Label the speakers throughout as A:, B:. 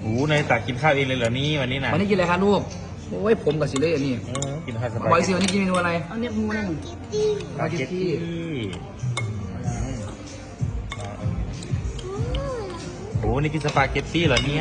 A: โอ้ในตักกินข้าวเองเลยเหรอนี่วันนี้นะ
B: วันนี้กินอะไรคะลูกโอ้ยผมกับสิเล่อันนี้
A: กินข้าวส
B: บ
A: บา
B: อย
A: ย
B: สิวันนี้กินเมนูอะไร
C: เอาเนี่ยมูนั่น
B: สปาเกตตี้
A: โอ้นี่กินสปาเกตตี้เหรอเนี่ย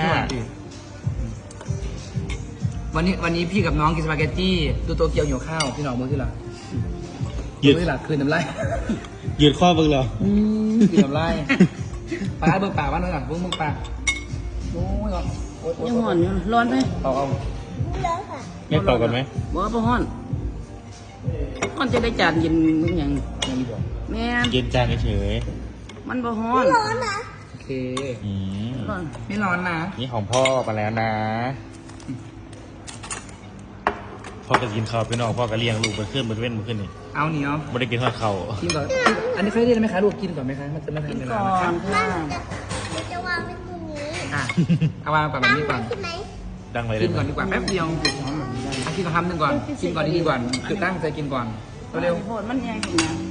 B: วันนี้พี่กับน้องกินสปาเกตตี้ดูโตเกียวหิวข้าวพี่น้องมือที่หลัง
A: ยืด
B: มือที่หลังคืนน้ำลาย
A: ยืดข้อบึงเหรอ
B: คืนน้ำลายปลาเบิ่งปากว่าหน่อยหลังเบิ่งปากโอ้ยโอ้ย
C: ยังห่อนอยู่ร้อนไหม
B: เอา
A: ไม่ต่อกันไหม
C: บ่บ่ห่อนห่อนจะได้จานเย็นมึงอย่าง
B: อย่างนี้บอก
C: แม่น
A: เย็นจานเฉย
C: มันบ่ฮ้อน
B: โอเค
A: ๆอืม
C: ร้อน
B: ไม่ร้อนนะ
A: นี่ของพ่อมาแล้วนะพ่อก็กินข้าวไปนอกพ่อก็เลี้ยงลูกไปขึ้นไปเว้นไปขึ้นนี่
B: เอาเหนียว
A: ไม่ได้กินทอดข้าว
B: กินก่อนอันนี้เคยได้ไหมคะลูกกินก่อนไหมคะมันจะไม่ทั
C: กิ
B: น
C: น
B: เว
C: ก่
B: ลา
C: อ
B: นะคะ
C: นค่ะ
D: มันจะวางไว้ตรงนี้
B: อ่ะเอาวางก่อนแบบนี้ก่อน
D: ใช่ไหม
A: ดังเลย
B: กินก่อนดีกว่าแป๊บเดียวกินคำหนึ่งก่อนกินก่อนดีๆก่อนคือตั้งใจกินก่อนเร็ว
C: โหดมันยังกินนะ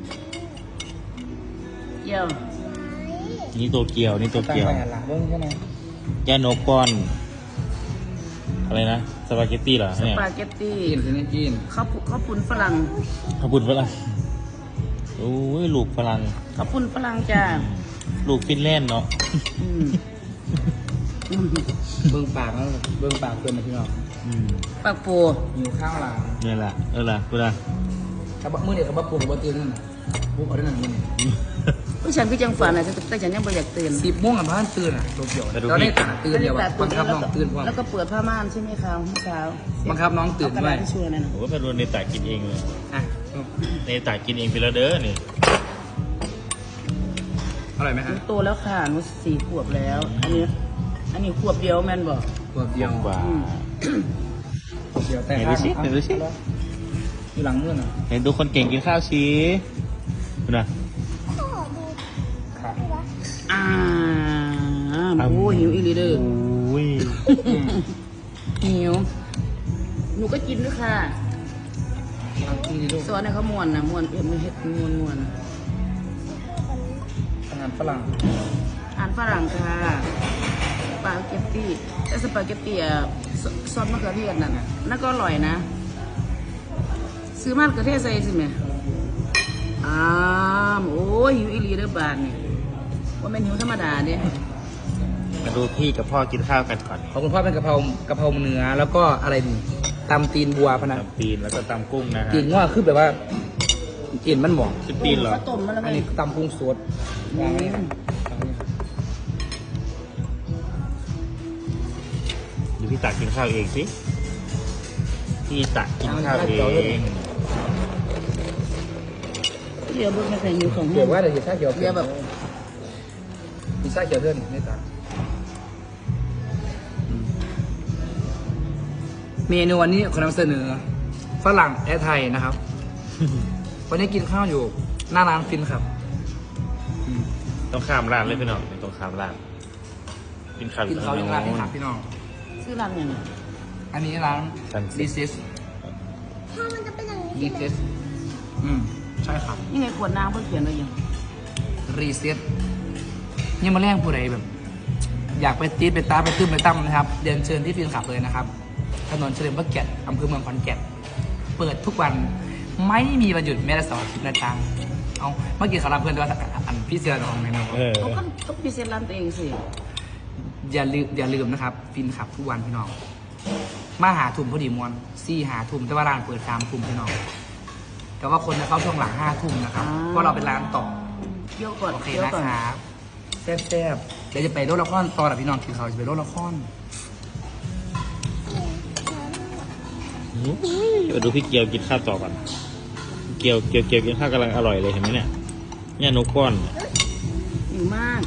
C: เกี่ยว
A: นี่ตัวเกียวนี่ตัว
B: ตั้ง
A: เกียว
B: ไปหันหลังเบิ้งใช่ไหม
A: ย่านกก้อนอะไรนะสปาเกตตี้เหรอ
C: ส
A: เนี่ย
C: ปาเกตตี้
B: กินสิเนี่ยกิน
C: ข้าวปุ้นฝรั่ง
A: ขบุญฝรั่งโอ้ยลูกฝรั่ง
C: ข้าวปุ้นฝรั่งจ้า
A: ลูกฟินแลนด์เนาะ
C: อืมอืม
B: เบิ้งปากแล้วเบิ้งปากเกินนะพี่น้อง
C: ปากปู
B: หิวข้าวหลัง
A: นี่แหละล่ะกูนะ
B: กระบะมือเนี่ยกระบะปูกระบะตื่นนั่นน่ะปุ๊บเอาได้นั่นมือเนี่ย
C: ผู้ฉันก็ยังฝันนะแต่ฉันยังไม่อยากตื่น
B: 10 โมงอ่ะบ้านตื่นอ่ะโตเกียวเราได้ตาตื่นเดียวอ่ะบังคับน้องตื่นพร้อม
C: แล้วก็เปิดผ้าม่านใช่ไหมคะเมื่อเช้า
B: บังคับน้องตื่น
C: เอากระ
B: ด้ว
C: ดาย ษที่ช่วยนั่นนะ
A: โอ้ยเป็นวันในตากินเองเลย
B: อ่ะ
A: ในตากินเองไปแล้วเด้อนี่
B: อร่อยไหม
C: ห
B: ฮะ
C: นูโตแล้วค่ะหนู4 ขวบแล้ว อันนี้ขวบเดียวแม่นบอก
B: ตัวเดียว
A: กว่า
B: เดียวแต่
A: ไหนดูสิไหนดูสิ
B: อยู่หลังมือน่ะ
A: เห็นทุกคนเก่งกินข้าวชี้ดูนะ
D: ขอดู
B: ค่ะ
C: อ่าโอ้หิวอีหลีเด้อ
A: โอ้ย
C: หิวหนูก็กินด้วยค่ะ
B: เอากินดิลูก
C: สอนให้เขาม่วนนะม่วนไม่เฮ็ดม่วน
B: อาหารฝรั่ง
C: อาหารฝรั่งค่ะสปาเกตตี้แต่สปาเกตตี้ซอสมะเขือเทศนั่นน่ะนั่นก็อร่อยนะ ซื้อมะเขือเทศใส่สิแม่โอ้ยหิวอีหลีเด้อบานนี่ว่าเป็นหิวธรรมดาเด้
A: มาดูพี่กับพ่อกินข้าวกันก่อน
B: ของคุณพ่อเป็นกะเพราเนื้อแล้วก็อะไรดีตำตีนบัวพะนะ
A: ตำตีนแล้วก็ตำกุ้งนะฮะ
B: ตีนว่าคือแบบว่าตีนมันหมอง
A: คือตีนเหรอ
C: ข้าวต้มมาแล้ว
B: อัน
C: ไง
B: นี้ตำกุ้งสดวางไว้ครับ
A: เดี๋ยวพี่ตักกินข้าวเองสิพี่ตักกินข้าวเอง
C: เดี๋ยวเบิ่งไม่เคยหิวของ
B: เกี่ยวว่าเดี๋ยวชาเขียว
C: เดี๋ยวแบบ
B: มีชาเขียวเพื่อนไม่ต่างเมนูวันนี้ขอนำเสนอฝรั่งและไทยนะครับ วันนี้กินข้าวอยู่หน้าร้านฟินครับ
A: ต้องข้ามร้านเลยพี่น้องต้องข้ามร้านกินข้าว
B: กินข้าวยังร้านที่ถามพี่น้อง
C: ซื้อร้านยังไง
B: อันนี้ร้าน
A: Sunset
B: ดิซิส
D: ถ้ามันจะเป็นอย่างนี้
B: ดิ
D: ใช่ไหม
B: ซิสใช่ครับ
C: นี่ไงขวดน้ำเพิ่งเขียนไว้ยัง
B: รีเซ็ตนี่มาแรงผู้ใดแบบ อยากไปตีดไปตาไปตื้มไปตั้มนะครับเรียนเชิญที่ฟินขับเลยนะครับถนนเฉลิมพระเกียรติอำเภอเมืองขอนแก่นเปิดทุกวันไม่มีวันหยุดแม้แต่เสาร์อาทิตย์นะจ๊ะเอาเมื่อกี้เขารับเพื่อนด้วยว่าอันพี่เสือของเมนู
C: เขาก็ต้องพิเศษร้านตัวเองสิ
B: อย่าลืมนะครับ ฟินขับทุกวันพี่น้องมาหาทุ่มพอดีมวนหาทุ่มแต่ว่าร้านเปิด3 ทุ่มพี่น้องแต่ว่าคนจะเข้าช่วงหลัง5 ทุ่มนะครับเพราะเราเป็นร้านต่อ
C: เคี่ยวก่อน
B: โอเค
C: เคี่ยว
B: นะ
C: ก่อน
B: ครับแซ่บๆเดี๋ยวจะไปโรดละครตอนกับพี่น้องกินข้าวจะไปโรดละคร
A: มาดูพี่เกียวกินข้าวต่อก่อนเกียวกินข้าวกำลังอร่อยเลยเห็นไหมเนี่ยเนี่ยนกก้อนเนี่ย
C: หิวมาก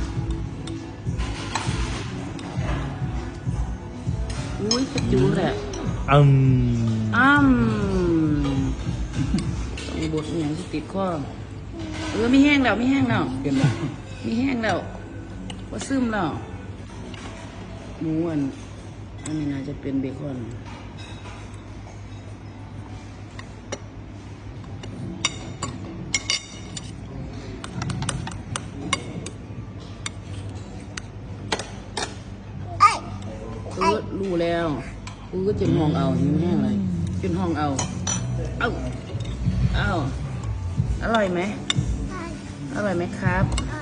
C: อุ้ยกระจูแหละ
A: อืม
C: ต้องบดเนี่ยที่ติดข้อไม่แห้งแล้วไม่แห้งแล้ว
B: เป็นไร
C: มีแห้งแล้วว่าซึมแล้วหมูอันนี้น่าจะเป็นเบคอนรู้แล้วก็จิ้มห้องเอาหิวแห้งเลยกินห้องเอาเอ้าอร่อยไหม
D: ใช่
C: อร่อยไหมครับ
D: ใช่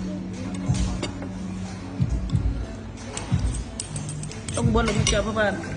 C: ต้องบนลงมาเจอเพราะว่า